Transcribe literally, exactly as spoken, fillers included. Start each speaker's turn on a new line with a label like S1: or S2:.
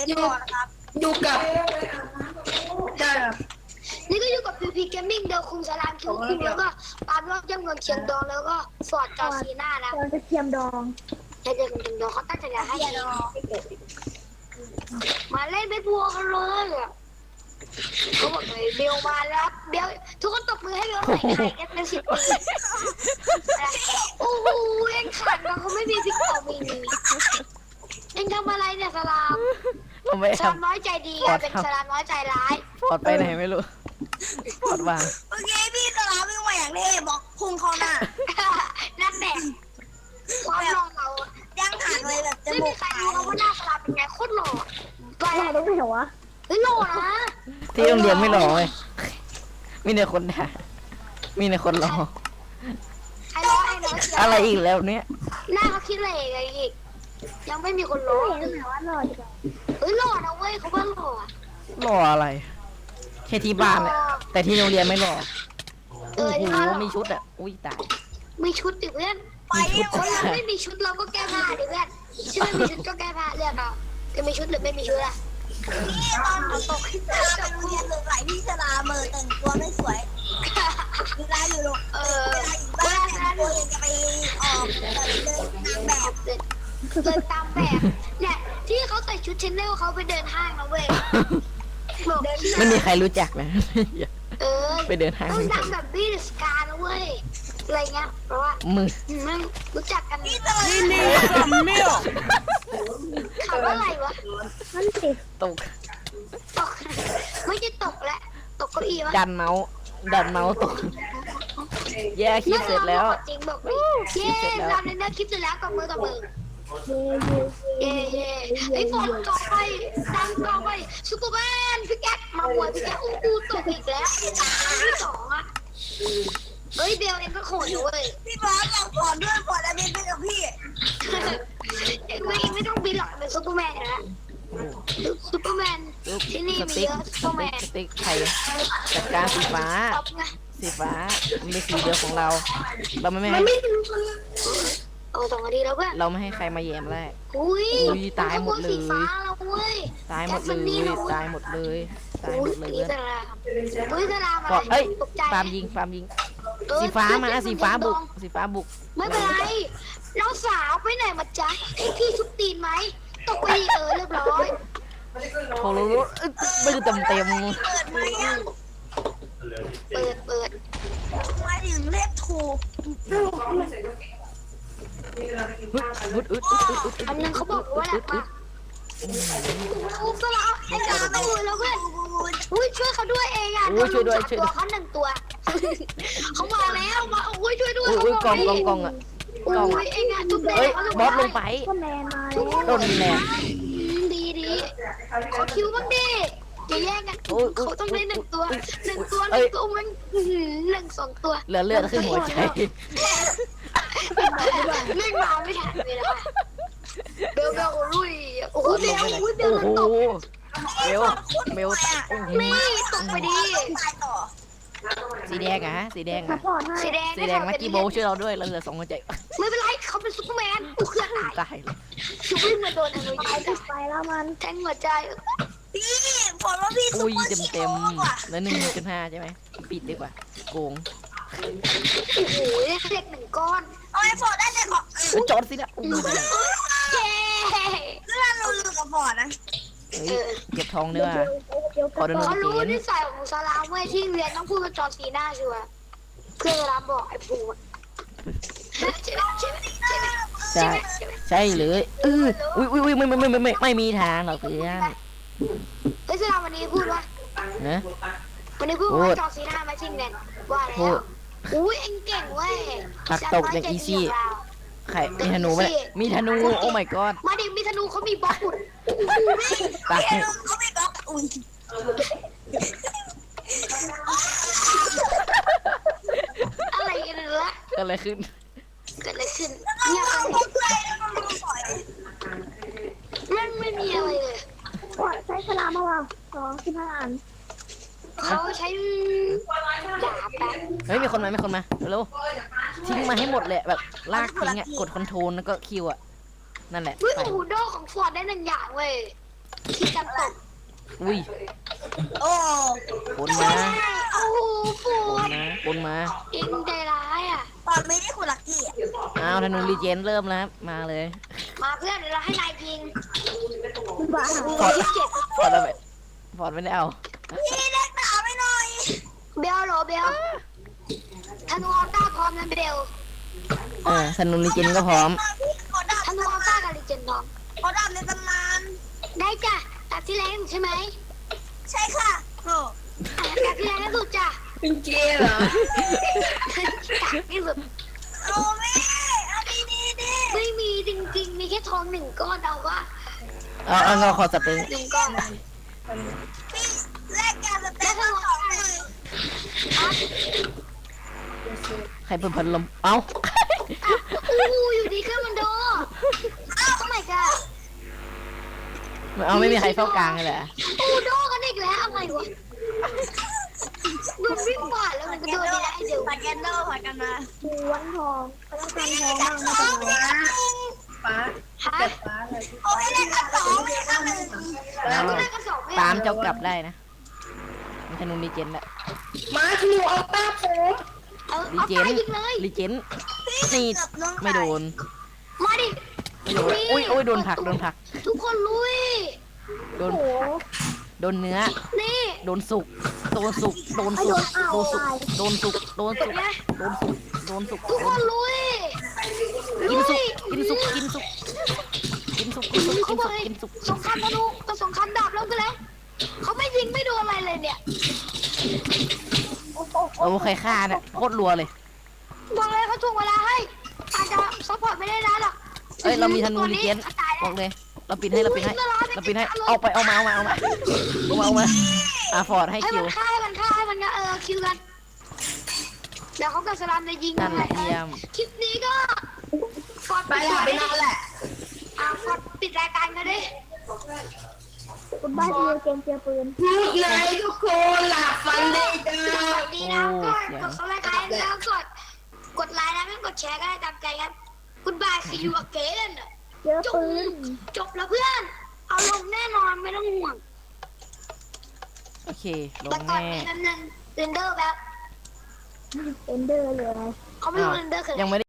S1: ล่นก่อนนะครับ
S2: อยู่กับใช่ครับ
S3: นี่ก็อยู่กับพีพีเกมมิ่งเดลคุงสลามคิวคุงแล้วก็ปาล์มรอบย่ำเมืองเชียงดองแล้วก็ฟอร์ดจอร์ซีน่านะ
S4: เราจะเทียมดอง
S3: แต่เดี๋ยวเดี๋ยวเขาตั้งใจจะให้มาเล่นเบสบอลกันเลยอ่ะเขาบอกเลยเบลมาแล้วเบลทุกคนตบมือให้เบลหน่อยใครกันเป็นสิบปีโอ้โหเองขันนะเขาไม่มีพิกเอามีเองทำอะไรเนี่ยสลาม
S5: เราไม่
S3: สลาม
S5: ทำ
S3: น้อยใจดีอะเป็นสลามน้อยใจร้าย
S5: ปอดไปไหนไม่รู้ปอดวาง
S1: เมื่อกี้พี่สลาวิ่งมาอย่างเท่บอกพุ่งเข้าหน้า
S3: นั่นแหละความหล่อเรา
S1: ย่างหันเลยแบบจ
S3: ไม่
S1: มู
S3: มี
S1: ก
S3: ใครรู้ว่าหน้าสลามเป็นไงโคตรหล่อไป
S4: เราต้องไปเหรอวะ
S3: เฮ้ยหล่อนะ
S5: ที่โรงเรียนไม่หล่อเลยมีแต่คนด่ามีแต่คนรอ
S3: ไอ้น้อยไอ้น้อยเชีย
S5: อะไรอีกแล้วเนี่ย
S3: หน้าเขาคิดอะไรอีกยังไม่มีคนรู้
S4: เห็นไหมว่าหล่อดีกว่า
S3: เฮ้ยหล่อนะเว้ยเขาว่าหล่อ
S5: หล่ออะไรแค่ที่บ้านแหละแต่ที่โรงเรียนไม่หล่อ
S3: เอ
S5: โอ้
S3: อ
S5: โห
S3: ที่บ้านหล่อ
S5: มีชุดอ่ะอุ้ยตาย
S3: มีชุดดิเพื่อน
S1: ไป
S5: มีชุด
S3: คนเราไม่มีชุดเราก็แก้ผ้าดิเพื่อนถ้าไม่มีชุดก็แก้ผ้าเลือกเอาจะมีชุดหรือไม่มีชุดอะ
S1: นี่ตอนตกสลาไปโรงเรียนสงสัยพี่สลาเมอแต่งตัวไม่สวยเวลาอยู่โรง
S3: เอ
S1: เว
S3: อ
S1: ลาอยู่บ้านแต่งตัวยังจะไปออกแบบเดินนางแบบ
S3: เดินเดินตามแบบเนี่ยที่เขาใส่ชุดเชนเนลเขาไปเดินห้างนะเว้ยบอกที่
S5: ไม่มีใครรู้จักนะ
S3: เออ
S5: ไปเดินห้าง
S3: ต้องดังแบบบี้สกานะเว้ยอะไรเงี้ยเพราะว่า
S5: มือ
S3: ไม่รู้จักกัน
S1: พี่สลา
S3: คำว่าอะไรวะ
S4: นั่นสิ
S5: ตก
S3: ตกไม่ใช่ตกแหละตกเก้าอี้วะ
S5: ดันเมาส์ดันเมาส์ตก แย่คลิปเสร็จแล้ว
S3: จริงบอกเลยเย้เราในเนื้อคลิปเสร็จแล้วกับมือกับมือ
S4: เย่เย่
S3: เย้เย้ไอ้ฝนต่อไปดังต่อไปซูเปอร์แมนพี่แก๊กมาหวยพี่แก๊กอู้หูตกอีกแล้วที่สองอ่ะเฮ้ยเบลเองก็โขดอยู่เว้ย
S1: พี่บอสเราขอด้วยขอแล้วบินไปกับพี่
S3: เองไม่ไม่ต้องบินหรอกเป็นซูเปอร์แมนนะซูเปอร์แมน
S5: ลูก
S3: ที่นี่
S5: ส
S3: มี
S5: ติ๊ก
S3: เยอะ
S5: ส
S3: ซูเปอร์แม
S5: ติ๊ก
S3: น
S5: สติ๊กไทยจัดการสีฟ้า
S3: ตบไง
S5: สีฟ้ามันเป็นสีเดียวของเรา เราไม่
S3: มั
S5: ให้
S3: นไม่รู้กันเลยเอาสองนาทีแล้วเพื่อน
S5: เราไม่ให้ใครมาแยมแรก
S3: อุ้ย
S5: อุ้ยตายหมดเลย
S3: สีฟ้าแล้วเว้ย
S5: ตายหมดเลยตายหมดเลยตายหม
S3: อุ้ย
S5: ดเลย
S3: ตีสลามอุ้ยสลามอะ
S5: ก็
S3: ไร
S5: เอ้ย
S3: ตกใจ
S5: ฟาร์มยิงฟาร์มยิง
S3: เออ
S5: สีฟ้ามา
S3: เพื่อน
S5: สีฟ้าบุก
S3: เพื่อน
S5: สีฟ้าบุก
S3: ไม่เป็นไรน้องสาวไปไหนมาจ๊ะให้พี่ทุบตีนไหมตกไปดีเออเรียบร้อย
S5: โทรรู้มือเต็มเต็ม
S1: เปิดไหมยัง
S3: เปิดเปิด
S1: มาถึงเลขถูก
S5: อึดอึดอึดอึดอึด
S3: อันนึงเขาบอกว่าอะไรมาทุบสลามไอ้สลามไม่รู้แล้วเพื่อนอุ้ยช่วยเขาด้วยเองอ่ะตัวเขาหนึ่งตัวเขามาแล้วมาอุ้ยช่วยด้วย
S5: อุ้ยอุ้ยกองกองกองอ่ะ
S3: อุ้ยเองอ่ะทุบแด
S5: เฮ้ย
S3: งเขา
S5: บอสลงไป
S4: ก็แมนมาแล้ว
S5: โดนแนว
S3: ดีดีขอคิวบ้างดิอย่าแย่งกันเขาต้องได้หนึ่งตัวหนึ่งตัวหนึ่งตัวมันหนึ่งสองตัว
S5: เหลือเลือดขึ้นหัวใจ
S3: เล่นมาไม่ทันเลยนะคะเบลเบลลุยโอ้โหเบลโอ้ยเบล
S5: โอ้
S3: มัน
S5: โห
S3: ตก
S5: เบลเบลโอ้โห
S3: นี่ตกไปดี
S1: ตายต่อ
S5: สีแดงอะฮะสีแดง
S4: ซั
S5: อะ
S4: พพอร์ตให้
S3: สีแดง
S5: สีแดงลักกี้โบช่วยเราด้วยเราเหลือสองหัวใจ
S3: ไม่เป็นไรเขาเป็นซุปเปอร์แมนกูเคลื่อนตาย
S5: ตายเลย
S3: ชูวิ่งมาโดนอะไร
S4: ไปติดไปแล้วมัน
S3: แทงหัวใจ
S1: พี่ฝนว่าพี่ซุป
S5: อุ้ย
S1: เปอร์
S5: เต็ม
S1: ชิ
S5: เต็ม
S1: โร่ว่ะ
S5: แล้วหนึ่งจุดห้าใช่ไหมปิดดีกว่าโกง
S3: โอ้โหได้เด็กหนึ่งก้อน
S1: เอาไอ้ฝนได้เลยของ
S5: เออจอดสินะอุ้ย
S3: เย้
S1: เรื่องเราลือกับฝนนะ
S5: เฮ้ยเก็บทองด้วยว่ะ
S4: เดี๋ยว
S5: ขอดูหน่
S3: เขา
S5: อย
S3: รู้นิสัยของซาลามเว้ยที่เรียนต้องพูดกับจอร์ซีน่าชัวร์เพื่อนซาลามบอกไอ้ปูใช่ไหมใช่ไหมใช่ไหม
S5: ใช่ใช่เลยเอออุ้ยอุ้ยอุ้ยไม่ไม่ไม่ไม่ไม่ไม่มีทางหรอกเพื่อน
S3: เฮ้ยซาลามวันนี้พูดว่า
S5: นะ
S3: วันนี้พูด
S5: พู
S3: ว่า
S5: ด
S3: จอร์ซีน่ามาชิงเด่นว่า
S5: พู
S3: แล้
S5: ด
S3: วอุ้ยเอ็งเก่งเว้ย
S5: ปักตกอย่างอีซี่ ใครมีธนูไหมมีธนูโอ้ my god
S3: มาดิมีธนูเขามีบล็อกอุด
S5: ตาย
S1: พี่เขาไม่บล็อกอุ้ย
S3: อะไรกันเนี่ยละ
S5: เกิดอะไรขึ้น
S3: เกิดอะไรขึ้น
S1: แล้ว
S3: เงียบ
S1: ก็
S3: ไป
S1: เขาเพื่อนแล้วก็มาปล่อย
S3: มันไม่มีอะไรเลย
S4: ก็ใช้สลามมาว่าสองสิบห้าอัน
S3: เขาใช้ดาบแป๊บ
S5: เฮ้ยมีคนมามีคนมาเร็วทิ้งมาให้หมดเลยแบบลากทิ้งอ่ะกดคอนโทรลแล้วก็คิวอ่ะนั่นแหละ
S3: เฮ้ย
S5: ไป
S3: โอ้โหโดของฟอร์ดได้หนึ่งอย่างเว้ยที่กันตก
S5: อุ้ย
S1: โอ้
S5: บนมา
S3: โอ้โหปู
S5: บน
S3: ด
S5: มาบนมา
S3: เองใจร้ายอ่ะ
S1: ตอนไม่ได้คุณลักกี้อ่ะ
S5: อ้าวธนูรีเจนเริ่มแล้วครับมาเลย
S3: มาเพื่อนเดี๋ยวเราให้นายยิง
S4: คุณบ้า
S5: ฟอร์ดฟอร์ดเอาไปฟอร์ดไม่ได้เอา
S1: พี่เล็กหนาไปหน่อย
S3: เบลโหลเบลธนูออต้าพร้อมนะเบล
S5: เออธนูรีเจนก็พร้อม
S1: พี่ขอดาบ
S3: ธนูออต้ากับลิเจนดอม
S1: ขอดาบในตำนาน
S3: ได้จ้ะตัดที่แรงใช่ไหม
S1: ใช่ค่ะโอ้
S3: อ่ะตัดที่แรงที่สุดจ้ะ
S2: เป็นเกย์เหรอ
S3: ตัดที่สุด
S1: โอ้แม่เอาดีดีดี
S3: ไม่มีจริงๆ มีแค่ทองหนึ่งก้อนเอาว่า
S5: เอาเอาเราขอสเต็ง
S3: หนึ่งก้อน
S1: พี่แลกการสเต็ปมาสองหนึ่ง
S5: ใครเปิดพัดลมเอ้า
S3: อู้อยู่ดีขึ้นมันโดอ้าวทำไมกัน
S5: เอาไม่มีใครเฝ้ากลางเลยแหละ
S3: อู้โดกันอีกแล้วอะไรวะมันวิ่งผ่านแล้วมันก็โดนได้เดี๋ยว
S1: ผัดกันโดผัดกันมา
S4: หวนทองเขาต้องการทองบ้างไม่เป็นไร
S2: ฟ้า
S3: ฮะ
S2: แต่ฟ้าเลย
S1: โอ้ยเล่นกันสองไม่กันหนึ่ง
S3: แล้วก็ได้กระสอบไม่
S5: ตามเจ้ากลับได้นะมีธนูรีเจนแหละ
S2: มาธนูเอาต้าผม
S3: เออ
S5: รี
S3: เอา
S5: เจ
S3: ไป
S5: น
S3: ยิงเลย
S5: รีเจน
S1: นี่
S5: นี่ไม่โดน
S3: มาดิ
S5: ไม่โดนอุ้ยอุ้ยโดนผลักโดนผลัก
S3: ทุกคนลุย
S5: โดนโดนเนื้อ
S3: นี่
S5: โดนสุกโดนสุกโดนสุกโดนสุกโดนสุกโดนสุกโดนสุกโดนสุก
S3: ทุกคนลุย
S5: กินสุกกินสุกกินสุกกินสุกกินสุกกิ
S3: เขา
S5: น
S3: บ
S5: สุ
S3: อก
S5: ก
S3: เลย
S5: กินสุก
S3: สงครามธนูกับสงครามดาบแล้วกันแล้วเขาไม่ยิงไม่โดนอะไรเลยเนี่ย
S5: โอ้ใครฆ่าเนี่ยโคตรรัวเลย
S3: บอกเลยเขาถ่วงเวลาให้อาจจะซัพพอร์ตไม่ได้นานหรอก
S5: เอ้ยเรามีธนูรีเจนบอกเลยเราปิดให้เราปิดให้เราปิดให้เอาไปเอามาเอามาเอามาเอามาเอามาอาฟอร์ดให้
S3: ให้
S5: คิ
S3: มั
S5: วน
S3: ฆ่าให้มันฆ่าให้มันก็เออคิวกันเดี๋ยวเขากับสลามจะยิง
S5: นั่นแหละเยี่ยม
S3: คลิปนี้ก็ฟอร์ด
S2: ไปหลับไปนอนแหละ
S3: อ่าฟอร์ดปิดรายการกันดิ
S4: คุณบ้าเจอเกมเจอปืน
S2: พูดไงทุกคนหลับฝันดีจ้า
S3: สวัสดีนะก็กดซับสไครต์แล้วกดกดไลค์นะไม่กดแชร์ก็ได้ตามใจกันคุณบายซีอูอเกน
S4: เจอ
S3: จบ
S4: ปืน
S3: จบแล้วเพื่อน เอาลงแน่นอนไม่ต้องห่วง
S5: โอเคล
S3: แต่
S5: ง
S3: ก่อน
S5: แน่
S3: นี้นั้นเรนเดอร์แบบ
S4: เอนเดอร์เลย
S3: เขาไม่รู้เรนเดอร์คืออะไร
S5: ยังไม่